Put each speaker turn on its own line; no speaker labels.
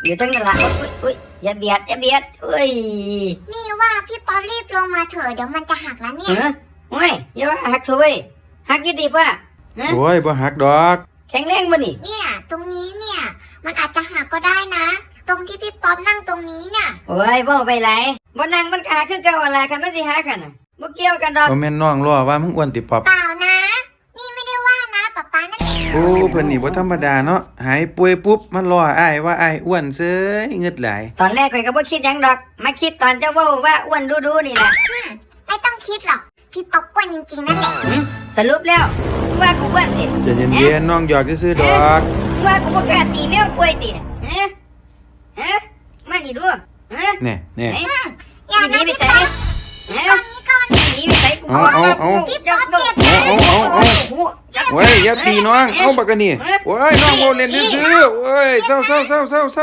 อยู่ตั้งนานละอุ้ยอย่าเบียดอุ้ย
นี่ว่าพี่ป๊อปรีบลงมาเถอะเดี๋ยวมันจะหักแล้วเนี่ย
โอ้ยอย่าว่าหักเถอะเว้ยหักยี่ดีป่ะ
โอ้ยบ่หักดอก
แข็งแรงบ่นี่
เนี่ยตรงนี้เนี่ยมันอาจจะหักก็ได้นะตรงที่พี่ป๊อปนั่งตรงนี้เนี่ย
โอ้ยบ่ไปไหลบ่นั่งมันก็หักคือเก่าอะไรคันมันสิหักกันน่ะบ่เกี่ยวกันดอก
บ่แม่นน้องล้อว่ามึงอ้วนติปอบ
เปล่านะนี่ไม่ได้ว่านะป๊านั่นแหละ
โอ้เพิ่นนี่บ่ธรรมดาเนาะหายป่วยปุ๊บมันล้ออ้ายว่าอ้ายอ้วนเซ้ยเงึดหลาย
ตอนแรกข้อยก็บ่คิดหยังดอกมาคิดตอนเจ้าเว้าว่าอ้วนดูนี่แหละ
ไม่ต้องคิดหรอกพี่ป๊อปอ้วนจริงๆนั่นแหละ
สรุปแล้วว่ากูอ้วนติ
ใจเย็นๆน้องหยอกซื่อๆดอก
ว่ากูบ่กล้าตีแมวป่วยติมานี่ดู
แน่
อย่านะพี่ป๊อปนี่ก่อน
นี่ไปใส่กู
พี่ป๊อปเจ็บนะ
เว้ยอย่าตีน้องเอาบักกะนี่โอ้ยน้องบ่เล่นซื่อๆโอ้ยเศร้า